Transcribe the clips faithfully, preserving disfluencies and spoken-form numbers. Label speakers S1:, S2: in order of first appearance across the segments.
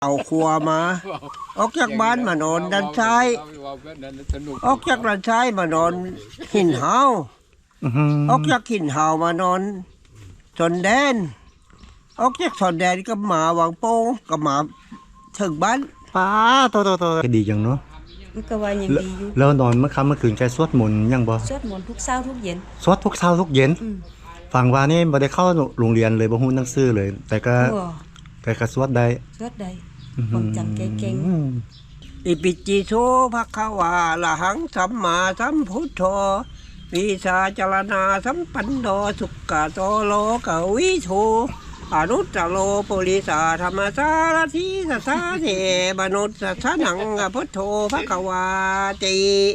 S1: เอาครัวมาออกจากบ้านมานอนด้านซ้ายออกจากด้านซ้ายมานอนหินเฮาออกจากหินเฮามานอนชนแดนออกจากชนแดนก็มาวางโป้งก็มาถึงบ้าน
S2: ป้าโตโตโตก็ดีจังเนาะ
S3: มันก็ว่ายังดีอยู่
S2: แล้วนอนเมื่อค่ำเมื่อคืนแกสวดมนต์ยังบ่
S3: สวดมนต์ทุกเช้าทุกเย็น
S2: สวดทุกเช้าทุกเย็นฟังว่านี่บ่ได้เข้าโรงเรียนเลยบ่ฮู้หนังสือเลยแต่ก็แต่ก็สวดได้
S3: สวดได้ความจำเก่ง
S1: อิปิจิโสภะคะวาละหังสัมมาสัมพุทโธวิชาจารณาสัมปันโนสุขะโตโลกวิโชอนุตตโลปุริสาธรรมสารทิสัสสะเทมนุสสะนังพุทโธภะคะวาติ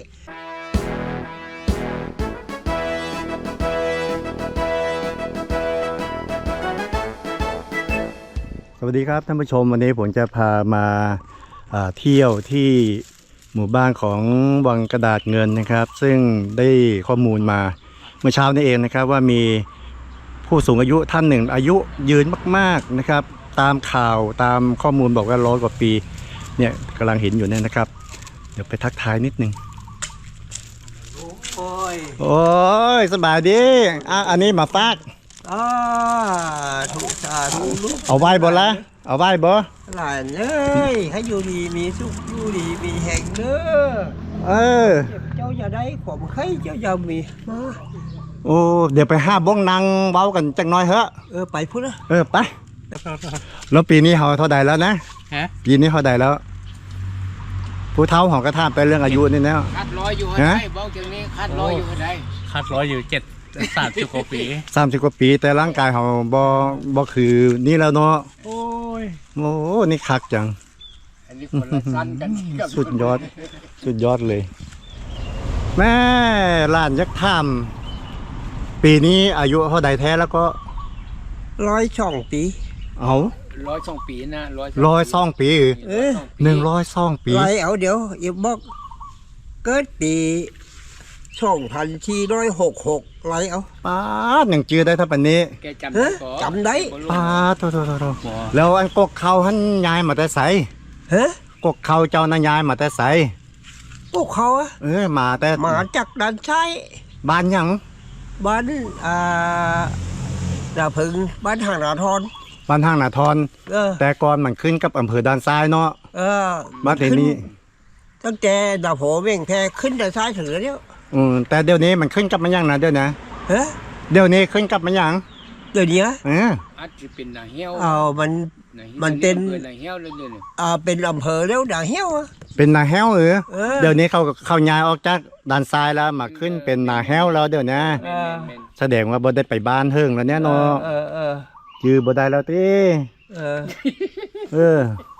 S2: สวัสดีครับท่านผู้ชมวันนี้ผมจะพามาเที่ยวที่หมู่บ้านของวังกระดาษเงินนะครับ ซึ่งได้ข้อมูลมาเมื่อเช้านี้เองนะครับว่ามีผู้สูงอายุท่านหนึ่งอายุยืนมากๆนะครับตามข่าวตามข้อมูลบอกว่าร้อยกว่าปีเนี่ยกำลังเห็นอยู่เนี่ยนะครับเดี๋ยวไปทักทายนิดนึงโอ้ยโอ้ยสบายดีอ่ะอันนี้มาฝาก
S1: อ่าถูกสาถูกลูก
S2: เอาไว้บ่ละเอาไว้บ่
S1: หลานเอ้ยให้อยู่ดีมีสุขอยู่ดีมีแห่งเด้อ
S2: เออ
S1: เจ้าอย่าได้ผมใครเจ้าอย่ามีมา
S2: โอ้เดี๋ยวไปห้าบ้องนางเว้ากันจังน้อยเหอะ
S1: เออไปพูดนะ
S2: เออไปแล้วปีนี้เขาเท่าใดแล้วนะ
S4: ฮะ
S2: ปีนี้เท่าใดแล้วผู้เฒ่าของกระทามไปเรื่องอายุนี่แล้ว
S4: คัดร้อยอยู่ให้ได้บ้องจังนี้คัดร้อยอยู่ให้ได้
S5: คัดร้อยอยู่เจ็ดสามสิบกว่าปี
S2: สามสิบกว่าปีแต่ร่างกายเขาบ่บ่คือนี่แล้วเนาะ
S1: โอ้ย
S2: โอ้นี่คักจัง
S4: อันนี้คนละสั้นกัน
S2: สุดยอดสุดยอดเลยแม่ล้านยักษ์ถ้ำปีนี้อายุเท่าใดแท้แล้วก็
S1: ร้อยสองปี
S2: เอา
S4: ร้อยสองปีนะ
S2: ร้อยร้อยสองปี
S1: เออ
S2: หนึ่งร้อยสองปี
S1: ไรเอาเดี๋ยวอย่าบอกเกิดปีสองพันสี่ร้อยหกหกไรเอา
S2: ป้าหนึ่งจื้อได้ถ้าปันนี้
S4: แกจำได้
S1: จำได้
S2: ป้าโตโตโตโตแล้วอันกกเขาหันยายมาแต่ใส
S1: ฮะ
S2: กกเขาเจ้านายายมาแต่ใส
S1: กกเขาอะ
S2: เออมาแต่
S1: มาจากด้านซ้าย
S2: บ้านยัง
S1: บ้านอ่าดาพึงบ้านห่างนาทร
S2: บ้านห่างนาทรแต่ก่อนมันขึ้นกับอำเภอด้านซ้ายเนาะ
S1: เออ
S2: มาเทนี้
S1: ตั้งแต่ดาโผเว่งแพขึ้นด้านซ้ายถึงแล้วเนี่ย
S2: อืมแต่เดี๋ยวนี้มันขึ้นกับมันยังนะเดี๋ยวนะ
S1: เฮ้
S2: เดี๋ยวนี้ขึ้นกับมันยัง
S1: เดี๋ยวนี้
S2: เออ
S4: อาจจะเป็นนาเหี้ยว
S1: เอามันมันเป็น
S4: นาเหี้ยวเลยเนี่ย
S1: อ่าเป็นอำเภอแล้วนาเหี้ยว
S2: เป็นนาแห้วเออเดี๋ยวนี้เขาเขาย้ายออกจากด้านซ้ายแล้วมาขึ้นเป็นนาแห้วแล้วเดี๋ยวนี้แสดงว่าบ่ได้ไปบ้านเฮิงแล้วเนี่ยเนาะ
S1: เออเออ
S2: จือบ่ได้แล้วติ
S1: เออ
S2: เออ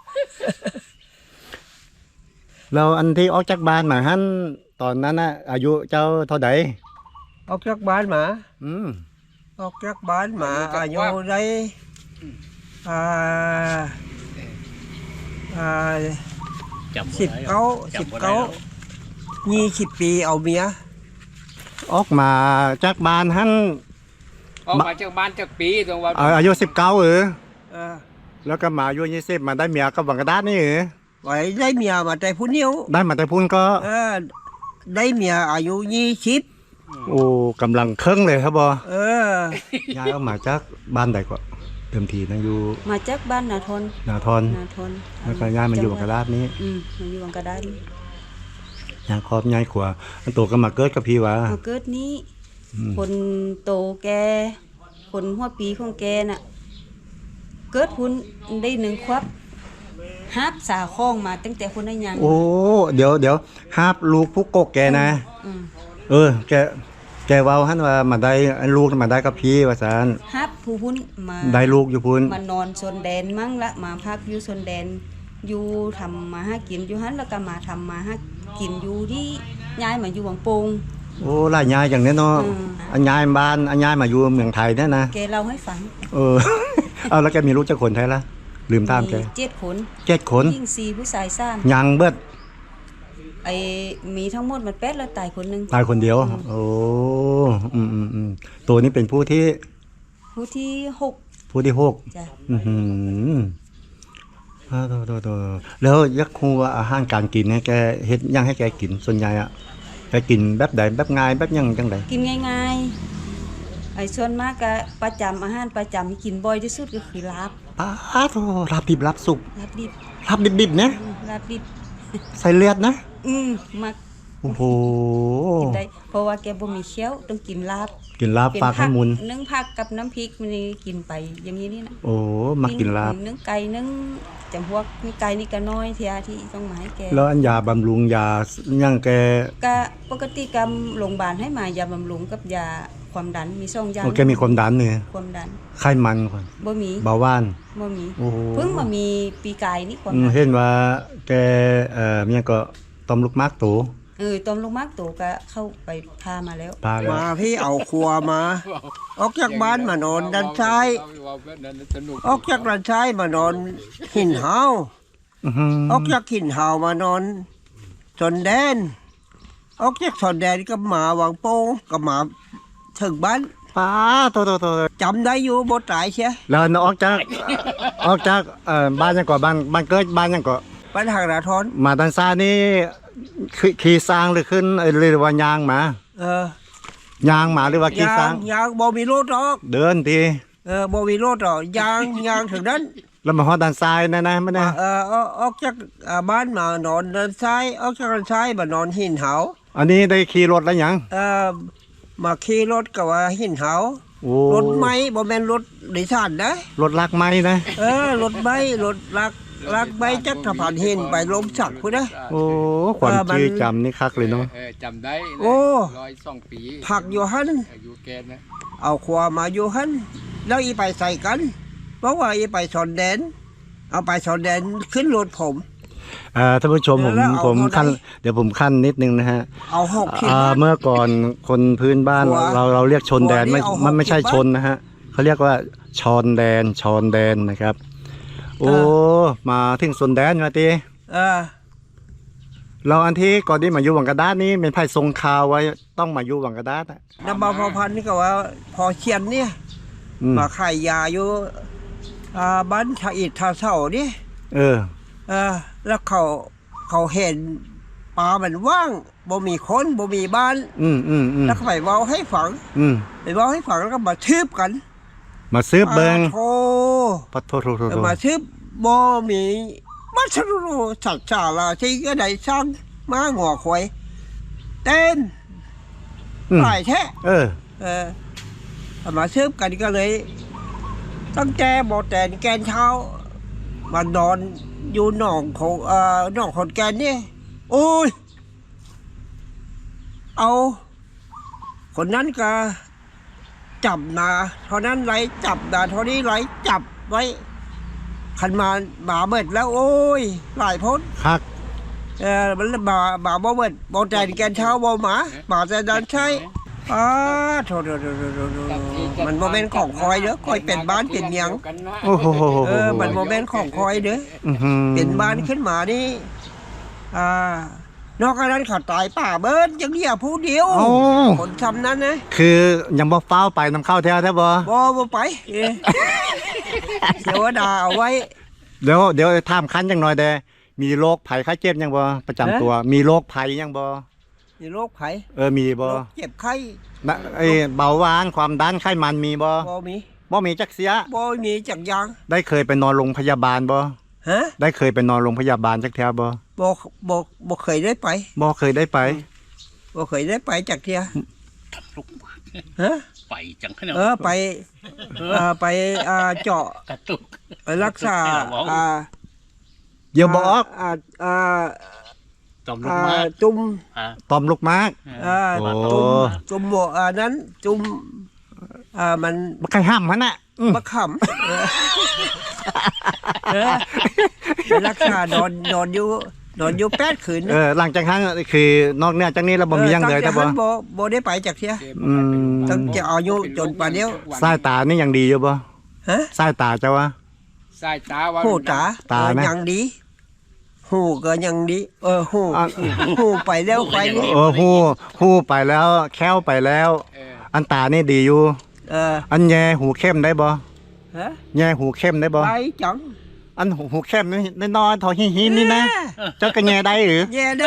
S2: เราอันที่ออกจากบ้านมาหั่นตอนนั้นน่ะอายุเจ้าเท่าใด
S1: ออกจากบ้านมา
S2: อืม
S1: ออกจากบ้านมาอายุได้อ่าอ่าสิบเก้าสิบเก้ายี่สิบปีเอาเมีย
S2: ออกมาจากบ้านหั่น
S4: ออกมาจากบ้านจากปีตรงว่า
S2: อายุสิบเก้าเออแล้วก็มาอายุยี่สิบมาได้เมียกับวังกระดาษนี่เออ
S1: ไว้ได้เมียมาแต่พุ่นเดียว
S2: ได้มาแต่พุ่นก็
S1: เออได้เมียอายุยี่สิบ
S2: โอ้กำลังเครื่องเลยครับบอ
S1: เอ
S2: อยายเอามาจากบ้านใดก็เติมทีนะอยู่
S3: มาจากบ้านนาทน
S2: นาทน
S3: นาทน
S2: แล้วก็ยายมาอยู่วังกระดาษนี้
S3: อืมมาอยู่วังกระดาษนี้
S2: ยายครอบยายขวาอันโตก็มาเกิดกับพี่วะ
S3: มาเกิดนี้คนโตแกคนหัวปีของแกน่ะเกิดพุ่นได้หนึ่งควับฮับสาข้องมาตั้งแต่คนนั้นยัง
S2: โอ้เดี๋ยวเดี๋ยวฮับลูกผู้กกแกนะเออแกแกว่าฮั่นว่ามาได้ลูกมาได้กับพี่ว่าซั่น
S3: ฮับผู้พุ่นมา
S2: ได้ลูกอยู่พุ่น
S3: มานอนชนแดนมั่งละมาพักอยู่ชนแดนอยู่ทำมาหากินอยู่ฮั่นแล้วก็มาทำมาหากินอยู่ที่ย้ายมาอยู่วังโป่ง
S2: โอ้หลายย้ายอย่างนี้เนาะอันย้ายบ้านอันย้ายมาอยู่เมืองไทยเนี่ยนะ
S3: แกเล่าให้ฟัง
S2: เออเอาแล้วแกมีลูกจักคนไทยละลืมถามแก
S3: เจ็ดคน
S2: เจ็ดคน
S3: ยิ่งสี่ผู้ชายสาม
S2: ยังเบิด
S3: ไอ้มีทั้งหมดมันแปดแล้วตายคนนึง
S2: ตายคนเดียวโอ้อืมอืมอืมตัวนี้เป็นผู้ที่
S3: ผู้ที่หก
S2: ผู้ที่หก
S3: จ้ะ
S2: อืมอ่าโตโตโตแล้วยักครูว่าอาหารการกินเนี่ยแกเฮ็ดหยังให้แกกินส่วนใหญ่อะแกกินแบบใดแบบง่ายแบบหยังจังได
S3: กินง่ายๆไอ้ส่วนมากก็ประจำอาหารประจำที่กินบ่อยที่สุดก็คือลาบ
S2: อ้าโตลาบดิบลาบสุก
S3: ลาบดิบ
S2: ลาบดิบๆนะ
S3: อืมลาบดิบ
S2: ใส่เลือดนะ
S3: อืมมัก
S2: โอ้โห
S3: กินได้เพราะว่าแกบ่มีเคี้ยวต้องกินลาบ
S2: กินลาบ
S3: เป็น
S2: ฝากให้มุน
S3: นึ่งผักกับน้ำพริกมันนี่กินไปอย่างนี้นี่นะ
S2: โอ้มากินลาบ
S3: นึ่งไก่นึ่งจำพวกมีไก่นี่ก็น้อยเทียที่ต้องมาให้แก
S2: แล้วอันยาบำรุงยาหยังแก
S3: ก็ปกติกรรมโรงพยาบาลให้มายาบำรุงกับยาความดันมีสองอย่าง
S2: โอแกมีความดันเนี่ย
S3: ความดัน
S2: ไขมันก่อน
S3: บ่มี
S2: เบาหวาน
S3: บ่มี
S2: โอ้โห
S3: เพิ่งมามีปีกายนี่ความ
S2: อืม
S3: ดัน
S2: เห็นว่าแกเอ่อเมียก็ต้มลูกมากตู
S3: เออตอมลงมากโตก็เข้าไปพามาแล้ว
S2: พาแล้ว
S1: มาพี่เอาครัวมา ออกจากบ้านมานอนด้านซ้าย ออกจากด้านซ้ายมานอนหินเฮา
S2: อื้อหือ
S1: ออกจากหินเฮามานอนชนแดน ออกจากชนแดนก็มาวังโป่งก็มาถึงบ้าน
S2: ป้าโตโตโต
S1: จำได้อยู่บ่ตายเชีย
S2: แล้วนออกจากออกจากเอ่อบ้านยังก่อบ้านบ้านเกิดบ้านยังก่อ
S1: บ้านทางนาทอน
S2: มาด้านซ้ายนี่ขี่ขี่สร้างหรือขึ้นเอ่อหรือว่ายางหมา
S1: เออย
S2: างหมาหรือว่าขี่
S1: ยา
S2: สร้าง ง
S1: ยางบ่มีรถหรอก
S2: เดินที
S1: เออบ่มีรถหรอกยางยางถึงนั้น
S2: แล้วมาฮอดด้านซ้ายนะนะไม่ได้
S1: เออออกออกจากอ่าบ้านมานอนด้านซ้ายออกจากด้านซ้ายมานอนหินเฮา
S2: อันนี้ได้ขี่รถแล้วยัง
S1: เออมาขี่รถก็ว่าหินเฮา
S2: โอ้
S1: รถไม้บ่แม่นรถโดยสารนะ
S2: รถลักไม้นะ
S1: เออรถไม้รถลักลักไม้จักสะพานหินไปลมสักพุ่นนะ
S2: โอ้ความ
S1: เออมัน
S2: ชื่อจำนี่คักเลยเนาะ
S4: เออจำได้นะ
S1: โอ้
S4: ร้อยสองปี
S1: ผักอยู่หัน
S4: อายุแกนะ
S1: เอาขวามาอยู่หันแล้วอีไปใส่กัน เพราะว่าอีไปชนแดน เอาไปชนแดนขึ้นรถผม
S2: อ่าท่านผู้ชมผม
S1: แล้วเอา
S2: ผม
S1: เท่าไหร่
S2: ขั้นเดี๋ยวผมขั้นนิดนึงนะฮะ
S1: เอาหกขีด
S2: อ่า
S1: นะ
S2: เมื่อก่อนคนพื้นบ้าน
S1: หัว
S2: เราเราเรียกชนแดน
S1: หัวนี่
S2: ไม่
S1: เอาหก
S2: มันไม่ใช่
S1: สิบ
S2: ชนนะฮะเขาเรียกว่าชอนแดนชอนแดนนะครับ โอ้
S1: เอ
S2: มาถึงชนแดนมาตี
S1: เออ
S2: เราอันที่ก่อนที่มาอยู่วังกระดาษนี้เป็นไพ่ทรงข่าวไว้ต้องมาอยู่วังกระดาษอะ
S1: นำบาพอพันธุ์นี่ก็ว่าพอเชียนเนี่ย
S2: อืม
S1: มาขายยาอยู่อ่าบ้านชาอิดทาเศร้านี่
S2: เออ
S1: เออแล้วเขาเขาเห็นป่ามันว่างบ่มีคนบ่มีบ้าน
S2: อืมอืมอืม
S1: แล้วเขาไปเว้าให้ฝัง
S2: อืม
S1: ไปเว้าให้ฝังแล้วก็มาทืบกัน
S2: มาซื้อเบิง
S1: อ่าโธ่
S2: ปัดโทษโทษโทษโทษ
S1: มาทืบบ่มีมัสรุสัตว์ชาลาที่ก็ได้สร้างมาหัวควายเต้น
S2: อืม
S1: หลายแท้
S2: เออ
S1: เออเอามาทืบกันก็เลย ตั้งแต่บ่แต่นแกนเช้ามานอนอยู่หนองของเอ่อหนองขอนแก่นนี่โอ้ย เอาคนนั้นก็จับนาเท่านั้นไรจับนาเท่านี้ไรจับไว้ขันมาบาเบิดแล้ว โอ้ย หลายพ้น
S2: คัก
S1: เออมันบาบาบ่เบิดบ่แต่นแกนเช้าบ่หมาบาแต่ดันใช่อ้าโถโถโถโถโถโถมันบ่เป็นของคอยเด้อคอยเป็นบ้านเป็นเมียง
S2: โอ้โห
S1: เออ มันโมเมนต์ของคอยเด้อ
S2: อื้อหือ
S1: เป็นบ้านขึ้นมานี่ อ่านอกจากนั้นเขาตายป่าเบิดยังเดียวผู้เดียว
S2: โอ้
S1: คนทำนั้นนะ
S2: คือยังบ่เฝ้าวไปนำเข้าแท้แท้บ่
S1: บ่บ่ไปเอ้ยเทวดาเอาไว้
S2: เดี๋ยวเดี๋ยวถามคันจังหน่อยแดมีโรคภัยไข้เจ็บยังบ่ประจำตัว มีโรคภัยยังบ่
S1: มีโรคไข้
S2: เออมีบ่
S1: โรคเจ็บไข้
S2: นะไอ้เบาหวานความดันไขมันมีบ่
S1: บ่มี
S2: บ่มีจักเสีย
S1: บ่มีจักอยาง
S2: ได้เคยไปนอนโรงพยาบาลบ่
S1: ฮะ
S2: ได้เคยไปนอนโรงพยาบาลจักแท้บ่
S1: บ่บ่บ่เคยได้ไป
S2: บ่เคยได้ไป
S1: บ่เคยได้ไปจักเที่ย
S5: ลุกมา
S1: ฮะ
S5: ไปจังขนาด
S1: เออไปเอ่อไปอ่าเจาะ
S5: กระตุก
S1: ไปรักษาอ่า
S2: เดี๋ยวบ่ออก
S1: อ่าอ่า
S5: ตอมลุก
S1: อ่า
S5: มา
S1: จุ่ม
S5: อ่า
S2: ตอมลูกมาก
S1: อ่า
S2: โอ้
S1: จุ่มจุ่มหมวกอ่านั้นจุ่มอ่ามัน
S2: บ่ใครห้ามมันน่ะอืม
S1: มะขำเออเออไปรักษานอนนอนอยู่นอนอยู่แปดคืน
S2: เออหลังจากนั้นคือนอกเหนือจากนี้เราบ่มีหยังเลย
S1: แต่
S2: แต่บ่
S1: บ่บ่ได้ไปจากเที่ย
S2: อืม
S1: ตั้งแต่อายุจนป่านเดียว
S2: สายตานี่ยังดีอยู่บ่
S1: ฮะ
S2: สายตาเจ้าวะ
S4: สายตาว่า
S1: หูตา
S2: ตานะ
S1: เออยังดีหูก็ยังดี เออหู
S2: อ่ะ
S1: หูไปแล้วไปนี่
S2: เออฮู้ฮู้ไปแล้วแค้วไปแล้ว
S4: เออ
S2: อันตานี่ดีอยู่
S1: เออ
S2: อันแย่หูเข้มได้บ่
S1: ฮะ
S2: แย่หูเข้มได้บ่
S1: ไปจัง
S2: อันหูแคบนี่น้อยๆทอหินหินนี่นะเจ้ากระแยได้หรือ
S1: แย่ได้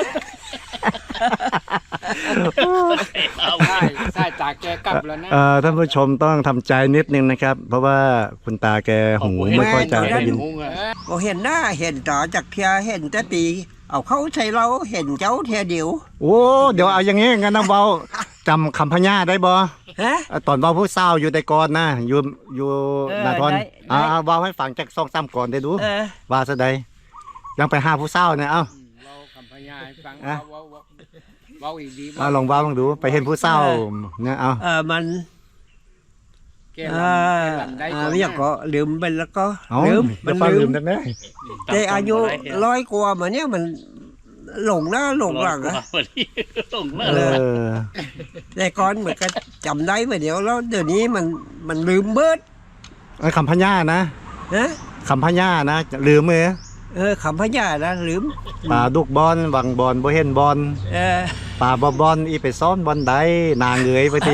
S5: เอา
S4: ใช่ใช่ตาแกกลับแล้วนะ
S2: เอ่อท่านผู้ชมต้องทำใจนิดนึงนะครับ เพราะว่าคุณตาแกหูไม่ค่อยจะได้ยิน
S5: งงอะ
S1: บ่เห็นหน้าเห็นตาจากเทียเห็นแต่ปี เอาเข้าใส่เราเห็นเจ้าเทียเดียว
S2: โอ้เดี๋ยวเอาอย่างงี้งั้นนะเบาจำคำพญาได้บ่
S1: ฮะ
S2: ตอนเบาผู้เศร้าอยู่แต่ก่อนนะอยู่อยู่
S1: เออ
S2: นาทอน
S1: ได้
S2: อ่า
S1: ได้
S2: เบาให้ฟังจากซองซ้ำก่อนได้ดู
S1: เออ
S2: ว่าซะใดยังไปหาผู้เศร้าเนี่ยเอ้า
S4: เราคำพยาให้ฟัง
S2: อ่ะ
S4: เว้าเว้าเว้าอีกดี
S2: เอาลองเบาลองดูไปเห็นผู้เศร้าเนี่ยเอา
S1: เออมัน
S4: แก
S1: เอ
S4: ลำ
S1: อ
S4: แกลำได้
S1: เอ
S4: ก่
S1: อ
S4: อน
S1: ไม่อยากก็ลืมไปแล้วก็
S2: เอา
S1: ลืม
S2: เดี๋
S1: มั
S2: ยวน ฟัง
S1: ลื
S2: ลื
S1: ม
S2: มได้ไหม
S1: แต่อายุร้อยกว่ามาเนี่ยมันหลงหน้าหลงหลัง
S5: อะ
S1: อะ
S5: หลงห
S2: เอ
S5: น้าเลย
S2: อ
S1: แต่ก่อนเหมือนก็จำได้มาเดี๋ยวแล้วเดี๋ยวนี้มันมันลืมเบิด
S2: ไอ้คำพญานะ
S1: นะ
S2: คำพญานะลืมมือ
S1: เออคำพญานะลืม
S2: ป่าดุกบอลวังบอลบ่เห็นบอล
S1: เออ
S2: ป่าบ่บอลอีไปซ้อนบอลใดนางเงยไปที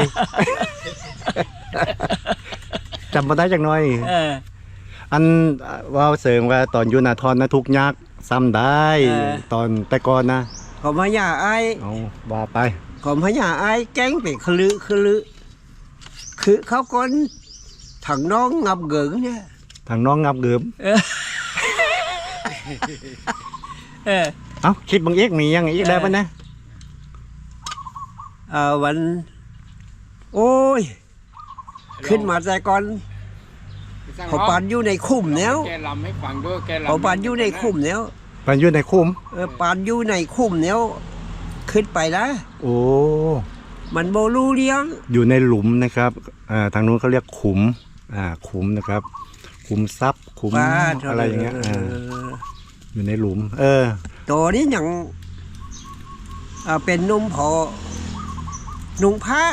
S2: จำมาได้จักหน่อย
S1: เออ
S2: อันว่าเสริงว่าตอนอยู่นาทอนนะทุกยักษ์ซ้ำได้
S1: เออ
S2: ตอนแต่ก่อนนะ
S1: ขอพญาไอ้
S2: เอาว่าไป
S1: ขอพญาไอ้แก้งไปคลือคลือคือเขาคนถังน้องงับเกิงเนี่ย
S2: ทางน้องงับเกิม
S1: เออเออ
S2: เอ้าคลิปบางเอกมียังอีกแล้วปะนะ
S1: เออวัน โอ้ย ขึ้นมาแต่ก่อนเขาปานอยู่ในคุ้มแล้ว
S4: แกลำให้ฟังด้วยแกลำ
S1: เขาปานอยู่ในคุ้มแล้ว
S2: มันอยู่ในคุ้ม
S1: เออปานอยู่ในคุ้มแล้วขึ้นไปนะ
S2: โอ้
S1: มันโบลูเลี้ยง
S2: อยู่ในหลุมนะครับอ่าทางนู้นเขาเรียกขุมอ่าขุมนะครับ ขุมทรัพย์ขุม
S1: บ้า
S2: อะไรอย่างเงี้ยอ่าอยู่ในหลุม เออ
S1: ตัวนี้ยังอ่าเป็นนุ่มพอนุ่งผ้า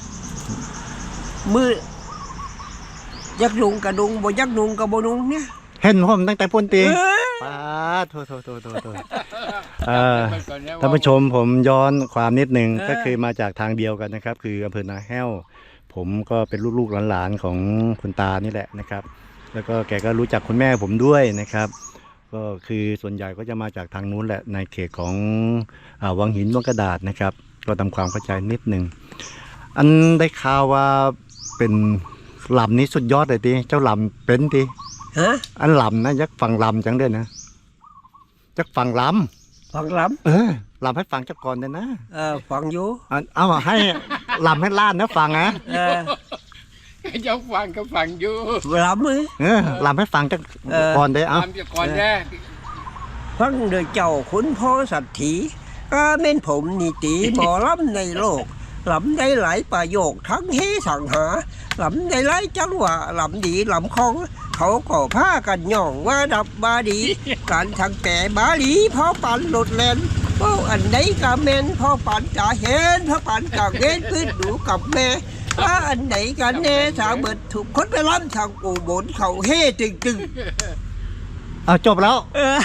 S1: มือยักนุงกระดุงบ่ยักนุงกระบ่นุงเนี่ย
S2: เห็นผมตั้งแต่พ้นตี
S1: เอ้ย
S2: ป้าดโทษโทษโทษโทษโทษเออ
S4: ไปก่อนนะ
S2: ท่านผู้ชมผมย้อนความนิดหนึ่ง
S1: เออ
S2: ก็คือมาจากทางเดียวกันนะครับ คืออำเภอนาแห้ว ผมก็เป็นลูกๆหลานๆของคุณตานี่แหละนะครับ แล้วก็แกก็รู้จักคุณแม่ผมด้วยนะครับ ก็คือส่วนใหญ่ก็จะมาจากทางนู้นแหละในเขตของอาวังหินวังกระดาษนะครับ ก็ทำความเข้าใจนิดหนึ่งอันได้ข่าวว่าเป็นลำนี้สุดยอดเลยทีเจ้าลำเป็นที
S1: ฮะ
S2: อันลำนะยักฟังลำจังเด้อนะยักฟังล
S1: ฟังล
S2: ำเออลำให้ฟังจักก่อนเด้อนะ
S1: ำเออฟังอยู่
S2: อันเอาให้ลำให้ล้านนะฟังนะ
S1: เออ
S4: เจ้าฟังก็ฟังอยู่
S1: ลำมือ
S2: เออลำให้ฟังจัก
S1: เออ
S2: ก่อนเด้อเอา
S4: ทำจะก่อนแน่
S1: ฟังโดยเจ้าขุนพ่อสัตถีก็เม่นผมนี่ตีหมอลำในโลกลำได้หลายประโยคทั้งเฮสังหาลำได้หลายจังหวะลำดีลำคอง เขาก็พากันย่องว่าดับบาดี การทางแก่บาลีพอปันหลุดแลนโอ้อันใดกะเมนพอปันจะเห็นพอปันจะเห็นพื้นดูกับแม่ว่าอันไหนกันแน่สาวเบิดถูกคนไปล้ำทางกูบนเขาเฮ่ตึงตึง
S2: เอาจบแล้ว
S1: เออ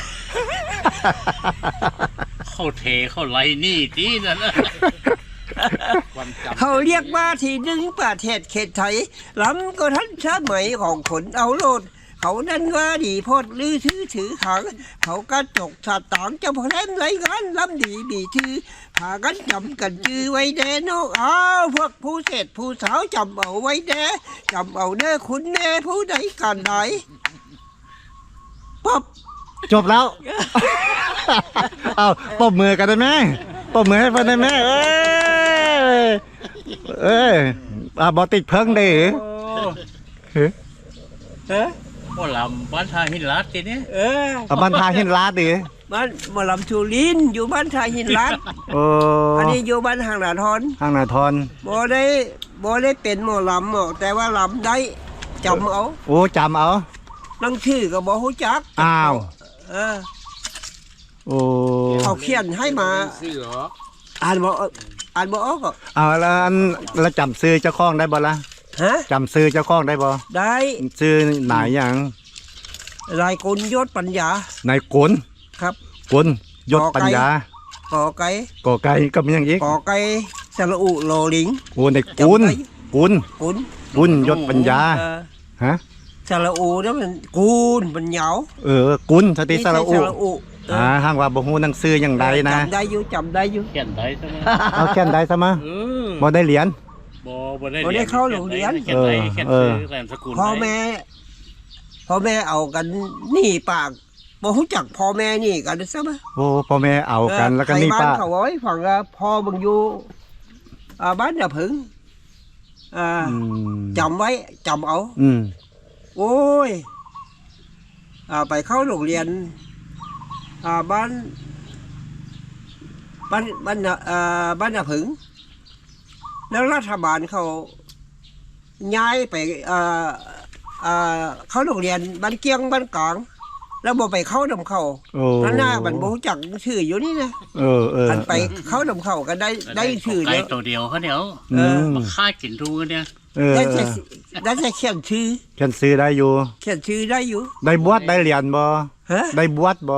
S5: เข้าเทเข้าไรนี่ที่นั่นนะ
S4: ความจำ
S1: เขาเรียกว่าที่หนึ่งประเทศเขตไทยล้ำก็ทันสมัยของคนเอาโลด เขานั้นว่าดีโพดลือถือถือขัง เขากระจกสตางค์จะพอแล่นไรกันล้ำดีบีถือพากันจำกันจือไว้แน่นอกอ้าวพวกผู้เศษผู้สาวจำเอาไว้แน่จำเอาเด้อคุณแม่ผู้ใดกันใดป๊อบ
S2: จบแล้ว เอาตบมือกันได้ไหมตบมือให้เพื่อนได้ไหมเอ้ยเอ้ยอ่ะบอติดเพิ่งได้หรือ
S1: เออ
S5: ว่าลำบ้านทาหินลัดทีนี้
S1: เออ
S2: อ่ะบันทาหินลาดดิ
S1: บ้านหมอลำชูลินอยู่บ้านชายหินลัด
S2: โอ้
S1: อันนี้อยู่บ้านหางหนาทอน
S2: ห้างนาทอน
S1: บ่ได้บ่ได้เป็นหมอลำหรอกแต่ว่าลำได้จำเอา
S2: โอ้จำเอา
S1: นั่งชื่อก็บ่ฮู้จัก
S2: อ้าว
S1: เออ
S2: โอ้
S1: เขาเขียนให้มา
S4: ซื้อเหรอ
S1: อ่านบ่อ่านบ่ออกก็
S2: เอาแล้วอันแล้วจำซื้อเจ้าของได้บ่ล่ะ
S1: ฮะ
S2: จำซื้อเจ้าของได้บ่
S1: ได้
S2: ซื้อไหนอย่าง
S1: รายกุลยศปัญญา
S2: นายกล
S1: ครับ
S2: กลยศปัญญา
S1: กอไก่
S2: ก่อไก่ก็มีอย่างอีก
S1: กอไก่สระอุโลลิง
S2: โอ้นายกุลกุล
S1: กุล
S2: กุลยศปัญญา
S1: เออ
S2: ฮะ
S1: สสระอูนั่นมันกูนมันเหยา
S2: เออกุนสติสระอุ
S1: นี่ใช่สระอุเอ
S2: อ่า
S1: อ
S2: ห้างว่าบ่ฮู้หนังสืออย่างใดนะ
S1: จำได้อยู่จำได้อยู่
S5: เขียนได้ใช่ไหม
S2: เอาแค่นใดซะมา
S5: เออ
S2: บ่ได้เหรียญ
S5: บ่บ่ได้
S1: บ่ได้เข้าโรงเรียน
S5: เขียนได้เขียน
S2: เอ
S5: ซื้
S2: อ
S5: อแรมสกุล
S1: พ่อแม่พ่อแม่เอากันนี่ปากบ่รู้จักพ่อแม่นี่กันซะมั้ย
S2: โอ้พ่อแม่เอากันแล้วก็นี่
S1: ใคร
S2: ป้า
S1: บ้านเขาเอาไว้ฟังว่าพ่อมึงอยู่อ่าบ้านน่ะผึงอ่า
S2: อืม
S1: จำไว้จำเอา
S2: อืม
S1: โอ้ยอ่าไปเข้าโรงเรียนอ่าบ้านบ้านบ้านน่ะอ่าบ้านน่ะผึงแล้วรัฐบาลเขาย้ายไปอ่าอ่าเข้าโรงเรียนบ้านเกียงบ้านกลางแล้วบ่ไปเข้านำเขา
S2: โอ้
S1: นั่นหน้าบันบ่รู้จักชื่ออยู่นี่นะ
S2: เออเออ
S1: อันไปเข้านำเขาก็ได้ได้ชื่อ
S5: ไก่
S1: เดียว
S5: ตัวเดียวเขาเดี๋ยว
S2: อืม
S5: มาฆ่ากินทุกเนี่ย
S2: เออ
S1: ได้
S2: เอ
S1: จะ
S2: อ
S1: ได้จะเขียนชื่อ
S2: เขียนซื้อได้อยู่
S1: เขียนชื่อได้อยู่
S2: ได้บวชได้เหรียญบ่
S1: ฮะ
S2: ได้บวชบ่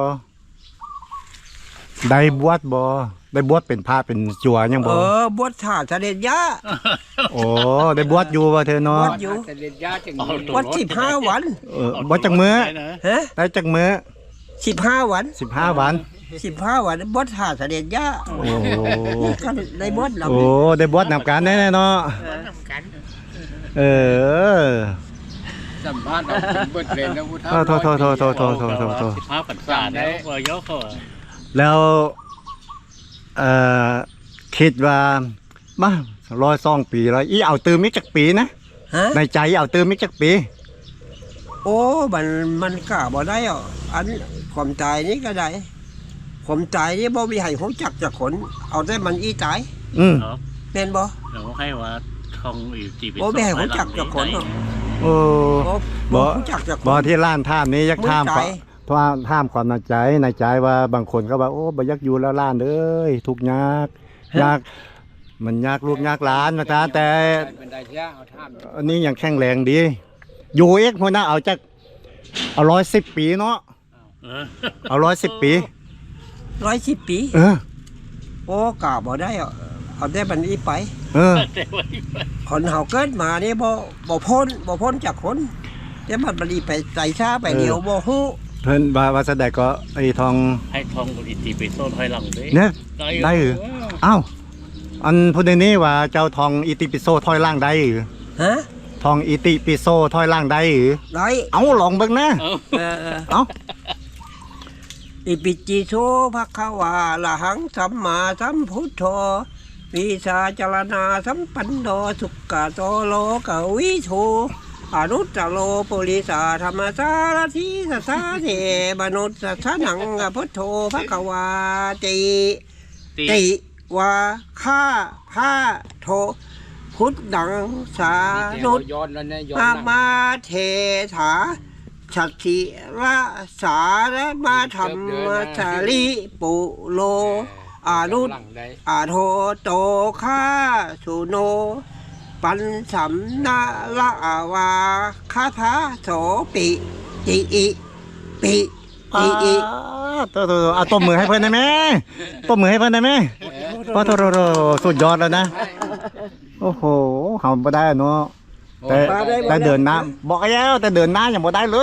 S2: ได้บวชบ่ได้บวชเป็นพระเป็นจัวยัง
S1: เอ
S2: บ่
S1: อบวชถ่าเสด็จย่า
S2: โอ้ได้บวชอยู่ว่าเธอเนาะ
S1: บวชอยู่
S4: แต่เด็ดยาจัง
S5: เอา
S4: เลย
S5: ตัว
S1: วัดสิบห้าวัน
S2: เออบวชจักมื้อ
S5: ได้นะ
S1: ฮะ
S2: ได้จักมื้อ
S1: สิบห้าวัน
S2: สิบห้าวัน
S1: สิบห้าวันบวชถ่าเสด็จย่า
S2: โอ้
S1: นี่ก็ได้บวชลำ
S2: โอ้ได้บวชนำกันแน่ๆเนาะเออ
S4: สัมภาษณ์เอาเป็นเบิดเลยนะพุทธะ
S2: โทษโทษโทษโทษโทษโทษโทษโทษ
S5: สิบห้าปันษาเนี่ยว่ายกเขาอะ
S2: แล้วเอ่อคิดว่ามาร้อยสองปีร้อยอีเอาตืมมิจักปีนะ
S1: ฮะ
S2: ในใจเอาตืมมิจักปี
S1: โอ้มันมันกล้าบ่ได้อ่ะอันความตายนี่ก็ได้ความตายนี่บ่มีให้รู้จักจากคน เอาแต่มันอีตาย
S2: อืม
S5: เนาะ
S1: แม่นบ่
S5: เราให้ว่าทองอีกจีบ
S1: โอ้แม่รู้จักจากคนเนาะ
S2: โอ้
S1: บ่
S2: บ่
S1: บ่รู้จักจากค
S2: บ่
S1: น
S2: ที่ล้านท่ามนี้ยัก
S1: มื้อ
S2: ท่าม
S1: ใจ
S2: เพราะว่าท่ามความในใจในใจว่าบางคนก็ว่าโอ้บ่อยักอยู่แล้วล้านเอ้ยทุกข์ยากยากมันยากลูกยากหลานนะจ๊ะแต่
S4: เป็นได้เที่ยเอาท่าม
S2: อันนี้ยังแข็งแรงดี อยู่เอกพวกนั้นเอาจักเอาร้อยสิบปีเนาะ
S5: เออ
S2: เอาร้อยสิบปี
S1: ร้อยสิบปี
S2: เออ
S1: โอ้กล้าบ่ได้อ่ะเอาแต่มันอีไป
S2: เออ
S5: แต่ว่า
S1: คนเฮาเกิดมานี่บ่บ่พ้นบ่พ้นจากคนแต่มันบัดนี้ไปใจช้าไปเดียวบ่ฮู้
S2: เพิ่นว่าว่าแสดงก็ไอ้ทอง
S5: ให้ทองอีกจีไปโซนถอยหลังด้วย
S2: เนี่ย
S5: ได้
S2: ได้หรือ อ้าวอันพูดในนี้ว่าเจ้าทองอิติปิโสถอยล่างได้หรือ
S1: ฮะ
S2: ทองอิติปิโสถอยล่างได้หรือ
S1: ได้
S2: เอาลองเบิ่งนะ
S5: เอา
S1: เออเออ
S2: เอา
S1: อิปิจิโสภะคะวาละหังสัมมาสัมพุทโธวิสาจารณาสัมปันโนสุขะโตโลกวิโชอนุตตโลปุริสาธรรมสารทิสัสสะเทมนุสสะนังพุทโธภะคะวาติ
S5: ตี
S1: ติวาข้าพาโทพุทธังสานุต
S4: ย้อนแล้วเนี่ยย้อน
S1: อา
S4: หลัง
S1: มาเทถาชัตถิระสารมาธรรมสาลิปุโลอานุต
S4: หลังได้
S1: อาโทโตข้าสุโน ปันสัมนาละอาวาคาถาโสปิติอิปิติอิ
S2: ตัวตัวเอาตบมือให้เพื่อนได้ไหมตบมือให้เพื่อนได้ไหมโอ้โถโถโถสุดยอดแล้วนะ โอ้โหเฮาบ่ได้เนาะแต่แต่เดินหน้าบอกแล้วแต่เดินหน้ายังบ่ได้เลย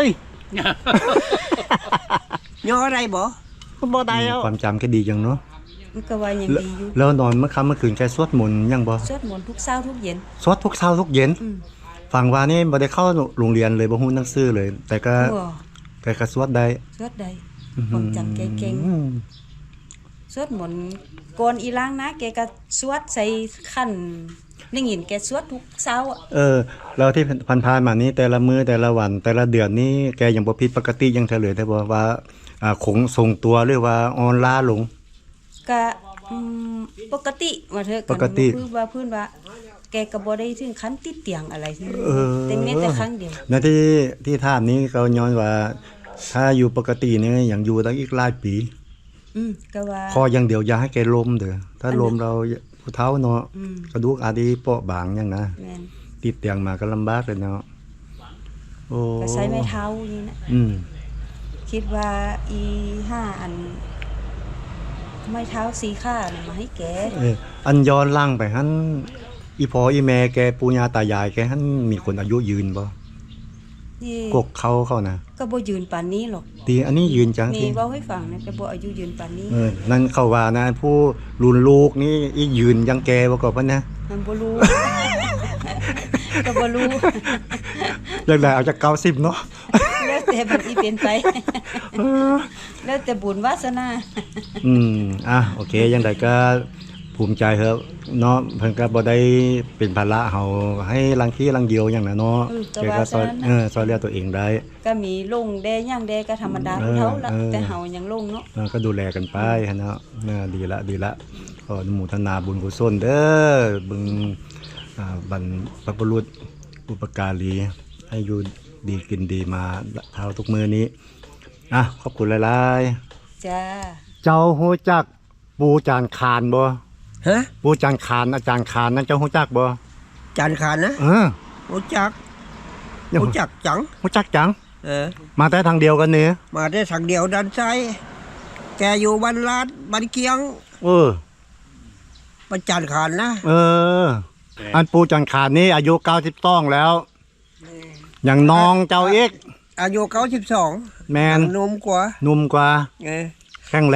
S1: ย่ออะไรบ่
S2: บ่ได้แล้วความจำแค่ดีจังเนาะ
S3: มันก็ว่ายังดีอยู่
S2: แล้วนอนเมื่อค่ำเมื่อคืนแกสวดมนต์ยังบ่
S3: สวดมนต์ทุกเช้าทุกเย็น
S2: สวดทุกเช้าทุกเย็น
S3: อืม
S2: ฟังว่านี่บ่ได้เข้าโรงเรียนเลยบ่ฮู้หนังสือเลย แต่ก็
S3: โอ้
S2: แต่ก็สวดได้
S3: สวดได้ความจำแกเก่ง
S2: อืม
S3: สวดมนต์ก่อนอีล้างนะแกก็สวดใส่ขั้นได้ยินแกสวดทุกเช้าอ่ะ
S2: เออแล้วที่ผ่านๆมานี้แต่ละมื้อแต่ละวัน แต่ละเดือนนี้แกยังบ่ผิดปกติยังเฉลยได้บ่ว่าอ่าคงทรงตัวหรือว่าอ่อนล้าลง
S3: ก็อืมปกติว่าเถอะ
S2: ปกติ
S3: คือว่าพื้นว่า แกก็บ่ได้ถึงขั้นติดเตียงอะไรที่
S2: เออ
S3: แต่แม้แต่ครั้งเดียว
S2: แล้วที่ที่ถามนี้เขาย้อนว่า ถ้าอยู่ปกตินี่ยังอยู่ตั้งอีกหลายปี
S3: อืมก็ว่า
S2: ขออย่างเดียวอย่าให้แกล้มเด้อถ้าล้มเราผู้เฒ่าเนาะ
S3: อืม
S2: กระดูกอาจสิเปราะบางหยังนะ
S3: แม่น
S2: ติดเตียงมาก็ลำบากเลยเนาะโอ้
S3: ก็ใช้ไม้เท้าอย่างนี้นะ
S2: อืม
S3: คิดว่าอีห้าอันไม้เท้าสีข้าน่ะมาให้แก
S2: เอออันย้อนหล่างไปหั่นอีพ่ออีแม่แกปู่ย่าตายายแกหั่นมีคนอายุยืนบ่
S3: นี่
S2: กกเขาเขานะ
S3: ก็บ่ยืนปานนี้หรอก
S2: ตีอันนี้ยืนจัง
S3: นี่
S2: ที่
S3: เว้าให้ฟังนะก็บ่อายุยืนปานนี้
S2: เออนั่นเขาว่านะผู้รุ่นลูกนี่อียืนยังแกบ่กว่าปะนะ
S3: มันบ่รู้ ก็บ่รู้
S2: อยากได้เอาจากเก้าสิบเนาะ
S3: แล้วแต่มันสิเป็นไป แล้วแต่บุญวาสนา
S2: อืมอ่ะโอเคยังไงก็ภูมิใจเถอะเนาะเพิ่นก็บ่ได้เป็นภาระเฮาให้ลังขี้ลังเดียวอย่างนั้นเนาะ
S3: อืมแต่
S2: แก
S3: ว่า
S2: ก็ซอย
S3: ฉะนั้นน่ะ
S2: เออซอยเหลือตัวเองได้
S3: ก็มีลงแดย่างแดก็ธรรมดา
S2: เอ
S3: ผู้
S2: อ
S3: เฒ่าละ
S2: เออ
S3: แต่เฮายังลงเนาะ
S2: เออก็ดูแลกันไปเนาะเออดีละดีละขออนุโมทนาบุญกุศลเด้อบึงอ่าบรรพบุรุษอุปการีให้อยู่ดีกินดีมาเท่าทุกมื้อนี้อ่ะขอบคุณหลายๆ
S3: จ้า
S2: เจ้าฮู้จักปูจานคานบ่
S1: ฮะ
S2: ปูจานคานอาจารย์คานนั่นเจ้าฮู้จักบ่
S1: จานขานนะ
S2: เออ
S1: รู้จัก
S2: เนี่ย
S1: รู้จักจัง
S2: ฮู้จักจัง
S1: เออ
S2: มาแต่ทางเดียวกันนี่
S1: มาได้ทางเดียวด้านซ้ายแกอยู่บ้านลาดบ้านเกียง
S2: เออ
S1: บ้านจานขานนะ
S2: เออ อันปูจานคานนี่อายุเก้าสิบสองแล้วอย่างน้องเจ้าเอก
S1: อายุเก้าสิบสอง
S2: แมน
S1: หนุ่มกว่า
S2: หนุ่มกว่า
S1: เออ
S2: แข็งแรง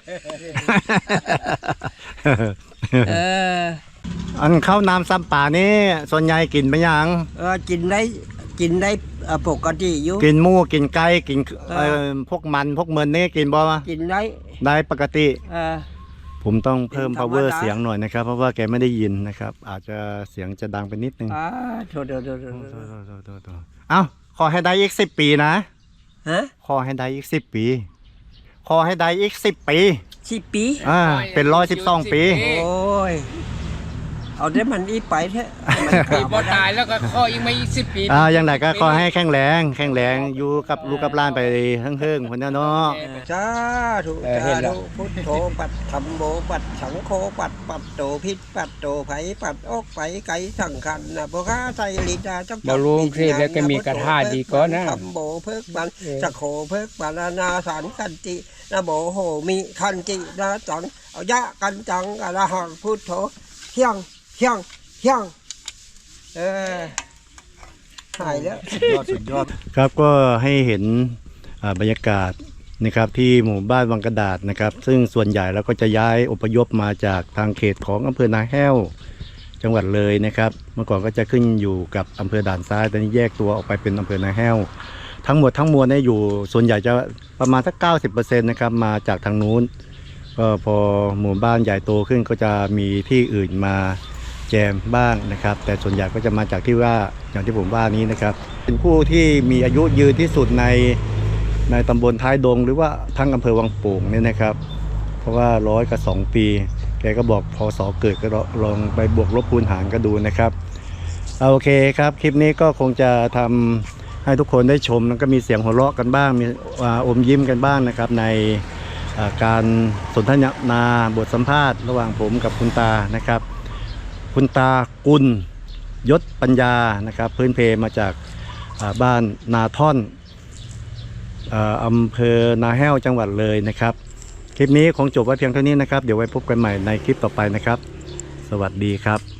S1: เออ
S2: อันข้าวน้ำซ้ำป่านี่ส่วนใหญ่กินไปยัง
S1: เออกินได้กินได้เอ่อปกติอยู่
S2: กินหมูกินไก่กินเอ่อพวกมันพวกเมินนี่กินบ่
S1: กินได้
S2: ได้ปกติ
S1: เออ
S2: ผมต้องเพิ่ม
S1: เป็นธรรมดา
S2: power เสียงหน่อยนะครับ เพราะว่าแกไม่ได้ยินนะครับ อาจจะเสียงจะดังไปนิดนึง
S1: อ่าโทษโทษโทษโทษ
S2: โทษโทษโทษโทษโทษเอ้าขอให้ได้อีกสิบปีนะ
S1: ฮะ
S2: ขอให้ได้อีกสิบปี ขอให้ได้อีกสิบปี
S1: สิบปี
S2: อ่าเป็นร้อยสิบสองปี
S1: โอ้ยเอาได้มันอีไปเถอะมัน
S4: ปี
S1: ก
S4: บ่
S1: ลับมาได้
S4: ตายแล้วก็ข้ออีกไม่อีกสิบปี
S2: อ่าอย่างไรก็ขอให้แข็งแรงแข็งแรงอยู่กับลูกกับหล้านไปเฮิงๆคนเนี้ยเนาะ
S1: สาธุสาธุพุทโธปัดธัมโมปัดสังโฆปัดปัดโตพิษปัดโตไผปัดออกไปไกลสังขันนะพวกข้าใจลิดาจับ
S4: บ่รู้เทศแล้วก็มีกระทาดีก็นะ
S1: ธัมโมเพิกบันสักโขเพิกบานานาสารกันตินะโมโหมิคันตินะจังเอายะกันจังอะระหังพุทโธเที่ยงเที่ยงเที่ยงเออหายแล้ว
S2: ยอดสุดยอดครับก็ให้เห็นอ่าบรรยากาศนะครับที่หมู่บ้านวังกระดาษนะครับ ซึ่งส่วนใหญ่แล้วก็จะย้ายอพยพมาจากทางเขตของอำเภอนาแห้วจังหวัดเลยนะครับ เมื่อก่อนก็จะขึ้นอยู่กับอำเภอด่านซ้ายตอนนี้แยกตัวออกไปเป็นอำเภอนาแห้วทั้งหมดทั้งมวลเนี่ยอยู่ส่วนใหญ่จะประมาณสักเก้าสิบเปอร์เซ็นต์นะครับมาจากทางนู้นก็พอหมู่บ้านใหญ่โตขึ้นก็จะมีที่อื่นมาแจมบ้างนะครับ แต่ส่วนใหญ่ก็จะมาจากที่ว่าอย่างที่ผมว่านี้นะครับ เป็นผู้ที่มีอายุยืนที่สุดในในตำบลท้ายดงหรือว่าทั้งอำเภอวังโป่งเนี่ยนะครับ เพราะว่าร้อยกับสองปี แกก็บอกพศเกิดก็ลองไปบวกลบคูณหารก็ดูนะครับเอาโอเคครับคลิปนี้ก็คงจะทำให้ทุกคนได้ชมแล้วก็มีเสียงหัวเราะกันบ้างมีอ่าอมยิ้มกันบ้างนะครับในอ่าการสนทนาบทสัมภาษณ์ระหว่างผมกับคุณตานะครับ คุณตากุลยศปัญญานะครับพื้นเพมาจากอ่าบ้านนาท่อนอ่าอำเภอนาแห้วจังหวัดเลยนะครับคลิปนี้คงจบไว้เพียงเท่านี้นะครับเดี๋ยวไว้พบกันใหม่ในคลิปต่อไปนะครับสวัสดีครับ